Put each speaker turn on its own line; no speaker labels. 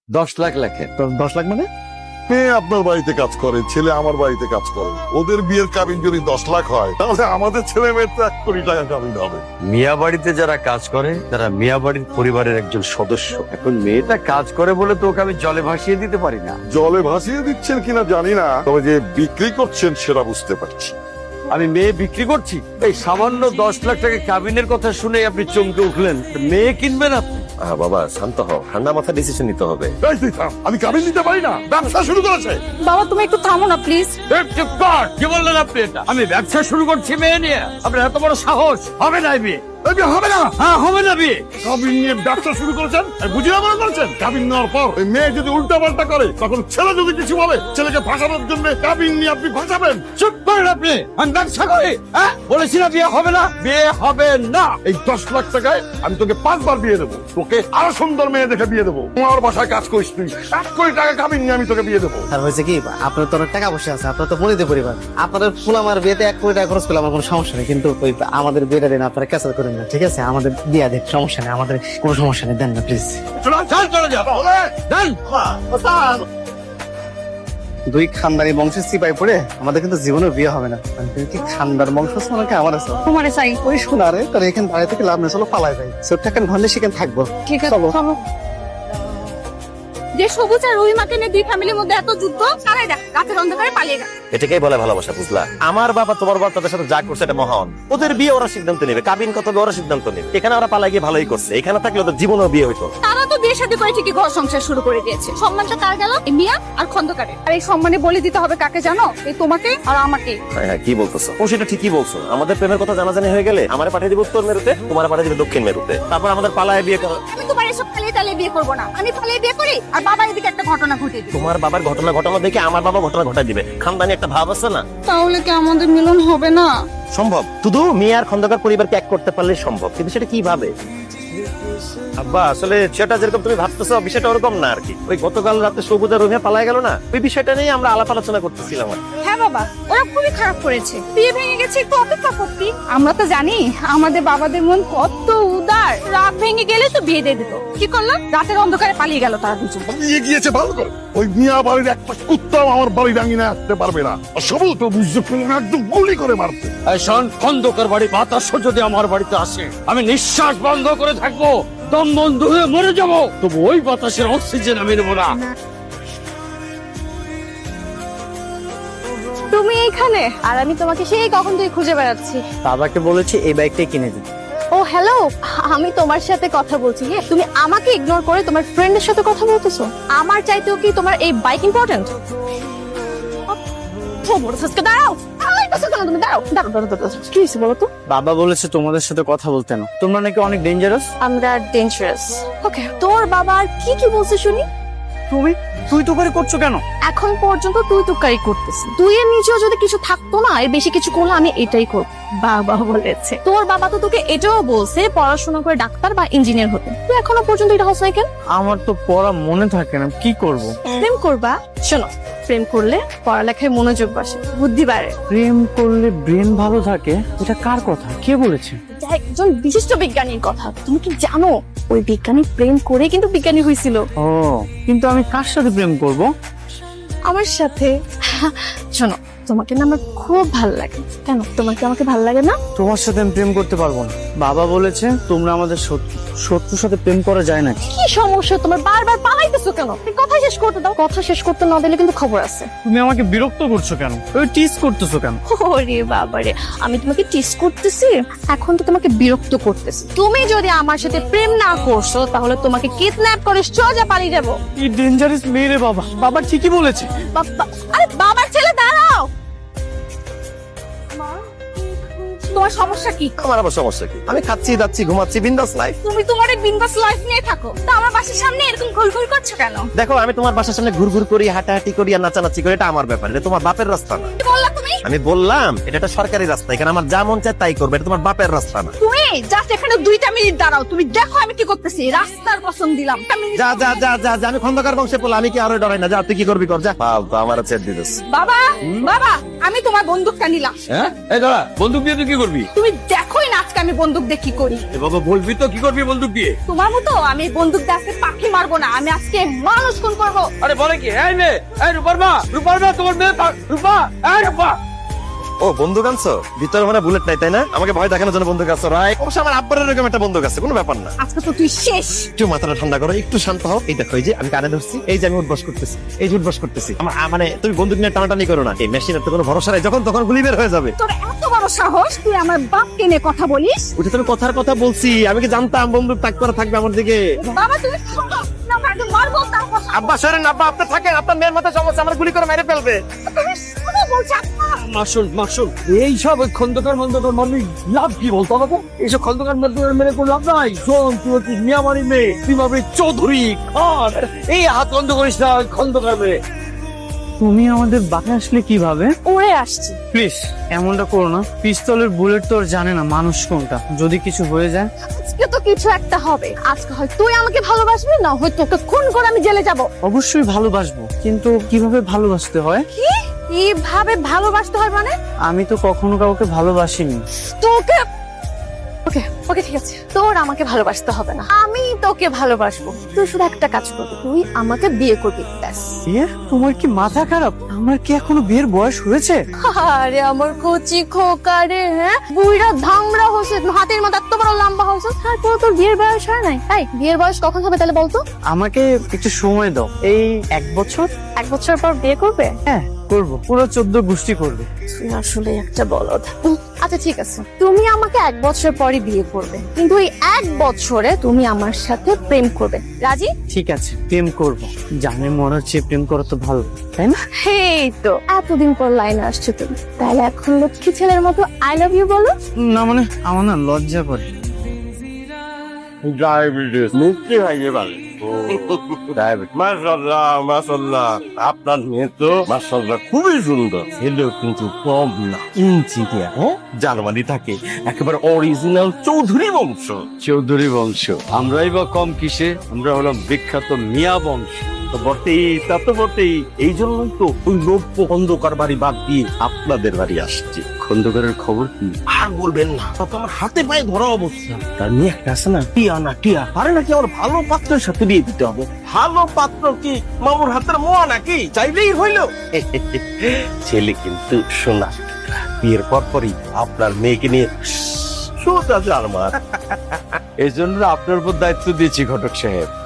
10 লাখ লেখেন।
10 লাখ মানে?
মেয়ে আপনার বাড়িতে কাজ করে, ছেলে আমার বাড়িতে কাজ করে, ওদের বিয়ের কাবিন যদি 10 লাখ হয় তাহলে আমাদের ছেলে মেয়ের তো 1 কোটি টাকা কাবিন হবে।
মিয়া বাড়িতে যারা কাজ করে তারা মিয়া বাড়ির পরিবারের একজন সদস্য। এখন মেয়েটা কাজ করে বলে তো ওকে আমি জলে ভাসিয়ে দিতে পারি না।
জলে ভাসিয়ে দিচ্ছেন কিনা জানি না, তবে যে বিক্রি করছেন সেটা বুঝতে পারছি।
আমি মেয়ে বিক্রি করছি? এই সামান্য 10 লাখ টাকা কাবিনের কথা শুনে আপনি চমকে উঠলেন। মেয়ে কিনবেন আপনি?
বাবা শান্ত হও, ঠান্ডা মাথা ডিসিশন নিতে হবে।
এই তুই থাম, আমি কাবিন নিতে পারি না, ব্যবসা শুরু করেছে।
বাবা তুমি একটু থামো না প্লিজ।
চুপ কর! কি বললেন আপনি এটা? আমি ব্যবসা শুরু করছি মেয়ে নিয়ে? আপনার এত বড় সাহস! হবে না এই বিয়ে।
এই বিয়ে হবে না।
হ্যাঁ, হবে না বিয়ে।
কাবিন নিয়ে ব্যবসা শুরু করেছেন, বুঝিয়ে মনে করছেন কাবিন নেওয়ার পর ওই মেয়ে যদি উল্টা পাল্টা করে, তখন ছেলে যদি কিছু বলে, ছেলেকে ফাঁসানোর জন্য কাবিন নিয়ে আপনি ফাঁসাবেন।
চুপ করেন আপনি। আমি ব্যবসা করি। হ্যাঁ, বলেছি না বিয়ে হবে না? বিয়ে হবে না।
এই 10 লাখ টাকায় আমি তোকে 5 বার বিয়ে দেবো, তোকে আরো সুন্দর মেয়ে দেখে বিয়ে দেবো। আমার বাসায় কাজ করিস তুই, 1 কোটি টাকা কাবিন নিয়ে আমি তোকে বিয়ে দেবো।
আর হয়েছে কি, আপনার তো অনেক টাকা পয়সা আছে, আপনার তো মনিতে পরিবার, আপনাদের ফুল আমার বিয়েতে 1 কোটি টাকা খরচ করলে আমার কোনো সমস্যা নেই, কিন্তু ওই আমাদের বিয়েটা দিন আপনারা ক্যান্সেল করেন না, ঠিক আছে? আমাদের বিয়ে দেন, সমস্যা নেই, আমাদের কোনো সমস্যা নেই, দেন না প্লিজ।
চলে যাবো। দেন।
দুই খানদানি বংশের সিপাই পড়ে আমাদের কিন্তু জীবনে বিয়ে হবে না। তুমি কি খানদার বংশ নাকি আমার আছে?
তোমারে চাই।
ওই শোনারে তার এখানে দাঁড়িয়ে থেকে লাভ নেই, চলো পালাই যাই। সেটাকে ঘন্টে সেখানে থাকবো।
ঠিক আছে
চলো।
চলো। যে সবুজ আর রহিমাকে নিয়ে দুই ফ্যামিলির মধ্যে এত যুদ্ধ, তারাই দেখ রাতের অন্ধকারে পালিয়ে গেল।
এটাকেই বলে ভালোবাসা, বুঝলা? আমার বাবা তোমার বাবা তাদের সাথে যা করছে এটা মহান। ওদের বিয়ে ওরা সিদ্ধান্ত নেবে, কাবিন কত হবে ওরা সিদ্ধান্ত নেবে। এখানে ওরা পালাই গিয়ে ভালোই করছে, এখানে থাকলে ওদের জীবনেও বিয়ে হইতো।
তারা তো বিয়ে শাদী করে ঠিকই ঘর সংসার শুরু করে দিয়েছে। সম্মানটা কার গেল? এই মিয়া আর খন্দকারে। আর এই সম্মানে বলে দিতে হবে কাকে জানো? এই তোমাকে আর আমাকে।
হ্যাঁ হ্যাঁ, কি বলতেছো? ও সেটা ঠিকই বলছো। আমাদের প্রেমের কথা জানাজানি হয়ে গেলে আমারে পাঠিয়ে দিবে উত্তর মেরুতে, তোমার পাঠিয়ে দিবে দক্ষিণ মেরুতে, তারপর আমাদের পালায় বিয়ে করো।
আমি তোমার এসব পালিয়ে টালিয়ে বিয়ে করবো না। আমি পালিয়ে বিয়ে করি আর বাবা এদিকে একটা ঘটনা ঘটিয়ে দিবে।
তোমার বাবার ঘটনা ঘটানো দেখে আমার বাবা ঘটনা ঘটাই দিবে। খানদানি একটা ভাব আছে না?
তাহলে কি আমাদের মিলন হবে না?
সম্ভব, শুধু মেয়ে আর খন্দকার পরিবারকে এক করতে পারলে সম্ভব, কিন্তু সেটা কিভাবে? আব্বা আসলে সেটা যেরকম তুমি ভাবতেছো বিষয়টা ওরকম না আর কি। ওই গতকাল রাতে সবুজ আর রুমিয়া পালায় গেল না, ওই বিষয়টা নিয়ে আমরা আলাপ আলোচনা করতেছিলাম।
হ্যাঁ বাবা, ওরা খুবই খারাপ করেছে। বিয়ে ভেঙে গেছে, একটু অপেক্ষা করতি। আমরা তো জানি আমাদের বাবাদের মন কত উদার। রাত ভেঙে গেলে তো বিয়ে দিয়ে দিত। কি করলাম? রাতের অন্ধকারে পালিয়ে গেল তারা দুজন।
পালিয়ে গিয়েছে ভালো করে। ওই মিয়া বাড়ির একটা কুত্তাও আমার বাড়ি ডাঙিয়ে আসতে পারবে না। আর সবল তো বুঝতে পারবে না, একদম গুলি করে মারতে।
এই শোন, খন্দকার বাড়ি বাতাস যদি আমার বাড়িতে আসে, আমি নিঃশ্বাস বন্ধ করে থাকবো, দম বন্ধ হয়ে মরে যাবো, তবু ওই বাতাসের অক্সিজেন আমি নেবো না।
তুমি এইখানে আর আমি তোমাকে সেই কখন থেকে খুঁজে বেড়াচ্ছি।
বাবাকে বলেছি এই বাইকটাই কিনে দিন।
ও হ্যালো, আমি তোমার সাথে কথা বলছি। হ্যাঁ, তুমি আমাকে ইগনোর করে তোমার ফ্রেন্ডের সাথে কথা বলতেছো। আমার চাইতেও কি তোমার এই বাইক ইম্পর্টেন্ট? দাঁড়াও, তুমি দাঁড়াও, দাঁড়াও, দাঁড়াও, দাঁড়াও। কি হয়েছে বলো তো?
বাবা বলেছে তোমাদের সাথে কথা বলতে না, তোমরা নাকি অনেক ডেঞ্জারাস।
আমরা ডেঞ্জারাস। ওকে, তোর বাবা আর কি কি বলছে শুনি।
তুই তো করে করছো কেন?
এখন পর্যন্ত তুই তুকারি করতেছিস। তুই এর নিচেও যদি কিছু থাকতো না, এর বেশি কিছু করলে আমি এটাই করব। বাবা বলেছে, তোর বাবা তো তোকে এটাও বলছে পড়াশোনা করে ডাক্তার বা ইঞ্জিনিয়ার হতে। তুই এখনো পর্যন্ত এটা হস নাই কেন?
আমার তো পড়া মনে থাকে না, কি করব?
প্রেম করবা। শোনো, প্রেম করলে পড়ালেখায় মনোযোগ বসে, বুদ্ধি বাড়ে।
প্রেম করলে ব্রেন ভালো থাকে, এটা কার কথা, কে বলেছে?
এটা একজন বিশিষ্ট বিজ্ঞানীর কথা। তুমি কি জানো ওই বিজ্ঞানী প্রেম করে কিন্তু বিজ্ঞানী হয়েছিল?
ও, কিন্তু আমি কার সাথে প্রেম করব?
আমার সাথে। শোনো, তোমাকে না আমার খুব ভালো লাগে। কেন তোমাকে আমাকে ভালো লাগে না?
তোমার সাথে আমি প্রেম করতে পারবো না। বাবা বলেছে তোমরা আমাদের শত্রু, শত্রুর সাথে প্রেম করা যায় না।
কি সমস্যা তোমার? বারবার পালাইতেছো কেন? কথা শেষ করতে দাও। কথা শেষ করতে না দিলে কিন্তু খবর আছে।
তুমি আমাকে বিরক্ত করছো কেন? ওই টিজ করতেছো কেন?
ওরে বাবারে, আমি তোমাকে টিস করতেছি? এখন তো তোমাকে বিরক্ত করতেছি। তুমি যদি আমার সাথে প্রেম না করছো, তাহলে তোমাকে কিডন্যাপ করে সোজা পালিয়ে যাবো।
কি ডেঞ্জারাস মেয়ে রে বাবা। বাবা ঠিকই বলেছে।
আরে বাবার ছেলে, দাঁড়াও। তোমার সমস্যা কি?
আমার আবার সমস্যা কি? আমি খাচ্ছি যাচ্ছি ঘুমাচ্ছি, বিন্দাস লাইফ।
তুমি তোমার এই বিন্দাস লাইফ নিয়ে থাকো, তা আমার বাসার সামনে এরকম ঘুরঘুর করছো কেন?
দেখো আমি তোমার বাসার সামনে ঘুরঘুর করি, হাঁটাহাঁটি করি আর নাচানাচি করি, এটা আমার ব্যাপার, এটা তোমার বাপের রাস্তা না।
কি বললা তুমি?
আমি বললাম এটা একটা সরকারি রাস্তা, এখানে আমার যা মন চায় তাই করবে, এটা তোমার বাপের রাস্তা না।
তুমি জাস্ট এখানে 2টা মিনিট দাঁড়াও, তুমি দেখো আমি কি করতেছি। রাস্তার কসম দিলাম।
যা যা যা যা যা, আমি খন্দকার বংশে বলে আমি কি আরো ডরাই না? যা তুই কি করবি কর, যা। আমার ছেড়ে দিতেছ।
বাবা, বাবা, আমি তোমার বন্দুকটা নিলাম।
হ্যাঁ, এই দাঁড়া, বন্দুক দিয়ে তুই কি করবি? করবি?
তুমি দেখোই না আজকে আমি বন্দুক দিয়ে কি করি।
এ বাবা বলবি তো কি করবি বন্দুক দিয়ে?
তোমার মতো আমি বন্দুক দিয়ে আজকে পাখি মারবো না, আমি আজকে মানুষ খুন করবো।
আরে বলে কি? এই মেয়ে, এই রূপার মা তোমার মেয়ে রূপা, এই রূপা।
ও বন্দুক আনছো? ভিতরে মানে বুলেট নাই তাই না? আমাকে ভয় দেখানোর জন্য বন্দুক আনছো, রাইট? অবশ্য আমার আব্বার এরকম একটা বন্দুক আছে, কোনো ব্যাপার না।
আজকে তো তুই শেষ।
একটু মাথাটা ঠান্ডা করো, একটু শান্ত হও। এই দেখো, এই যে আমি কানে ধরছি, এই যে আমি উঠবস করতেছি, এই যে উঠবস করতেছি। আমার মানে তুমি বন্দুক নিয়ে টানাটানি করো না, এই মেশিনের তো কোনো ভরসা নাই, যখন তখন গুলি বের হয়ে যাবে।
তোর এত বড় সাহস, তুই আমার বাপকে নিয়ে কথা বলিস?
ওটা তুমি কথার কথা বলছি, আমি কি জানতাম বন্দুক তাক করে থাকবে আমার দিকে?
বাবা তুমি থামো, না মারবো, মারবো তার কথা।
আব্বা সরেন, আব্বা আপনি থাকেন, আপনার মেয়ের মাথায় সমস্যা, আমার গুলি করে মেরে ফেলবে।
তুমি শুনো বলছি আব্বা।
মাসুল এইসব খন্দকার মানে লাভ কি বলতো আমাকে? এইসব খন্দকার মেরে কোনো লাভ নাই। শোন, তুই হচ্ছে মিয়ামারি মেয়ে, তুই ভাবি চৌধুরী খান, এই হাত বন্ধ করিস না খন্দকার মেয়ে।
তুমি আমাদের বাসায় আসলে কিভাবে?
ওরে আসছি।
প্লিজ এমনটা করো না, পিস্তলের বুলেট তো ওর জানে না মানুষ কোনটা, যদি কিছু হয়ে যায়।
আজকে তো কিছু একটা হবে। আজকে হয় তুই আমাকে ভালোবাসবি, না হয় তোকে খুন করে আমি জেলে যাব।
অবশ্যই ভালোবাসবো, কিন্তু কিভাবে ভালোবাসতে হয়?
কি কিভাবে ভালোবাসতে হয় মানে?
আমি তো কখনো কাউকে ভালোবাসিনি।
তোকে ওকে ওকে ঠিক আছে, তোর আমাকে ভালোবাসতে হবে না, আমি তোকে ভালোবাসবো। তুই শুধু একটা কাজ করবি, তুই আমাকে বিয়ে করবি, ব্যাস।
বিয়ে? তোমার কি মাথা খারাপ? আমার কি এখনো বিয়ের বয়স হয়েছে?
আরে আমার কচি খোকা রে, হ্যাঁ বুইড়া ধামড়া হচ্ছে, হাতের মতো এত বড় লম্বা হচ্ছে, তারপর তোর বিয়ের বয়স হয় নাই। তাই বিয়ের বয়স কখন হবে তাহলে বলতো?
আমাকে একটু সময় দাও, এই 1 বছর।
1 বছর পর বিয়ে করবে?
হ্যাঁ করবো, পুরো 14 গোষ্ঠী করবে।
তুই আসলে একটা বলদ। আচ্ছা ঠিক আছে, তুমি আমাকে 1 বছর পরে বিয়ে করবে, কিন্তু এই 1 বছরে তুমি আমার সাথে প্রেম করবে, রাজি?
ঠিক আছে, প্রেম করবো। জানে মনে হচ্ছে প্রেম করা তো ভালো, তাই না?
এই তো এতদিন পর লাইনে আসছো তুমি, তাহলে এখন লক্ষ্মী ছেলের মতো আই লাভ ইউ বলো।
না মানে আমার না লজ্জা করে।
ডায়াবেটিস মুক্তি হয়ে পারে। মাশাআল্লাহ আপনার মেয়ে তো মাশাআল্লাহ খুবই সুন্দর, ছেলেও কিন্তু কম না, ইঞ্জিনিয়ার, হ্যাঁ জার্মানি থাকে, একেবারে অরিজিনাল চৌধুরী বংশ।
চৌধুরী বংশ? আমরাই বা কম কিসে? আমরা হলাম বিখ্যাত মিয়া বংশ।
তো বটেই, তা তো বটেই, এই জন্যই তো ওই নব্য খন্দকার বাড়ি বাদ দিয়ে আপনাদের বাড়ি আসছি।
খন্দকারের খবর কি?
আর বলবেন না, তা তো আমার হাতে পায়ে ধরা অবস্থা। তার নিয়ে একটা আছে না, টিয়া আরে নাকি আমার ভালো পাত্রের সাথে বিয়ে দিতে হবে। ভালো পাত্র কি মামুর হাতের মোয়া নাকি? চাইলেই হইল। ছেলে কিন্তু শোনা, বিয়ের পরই আপনার মেয়েকে নিয়ে সোজা জার্মান।
এই জন্য আপনার উপর দায়িত্ব দিয়েছি ঘটক সাহেব।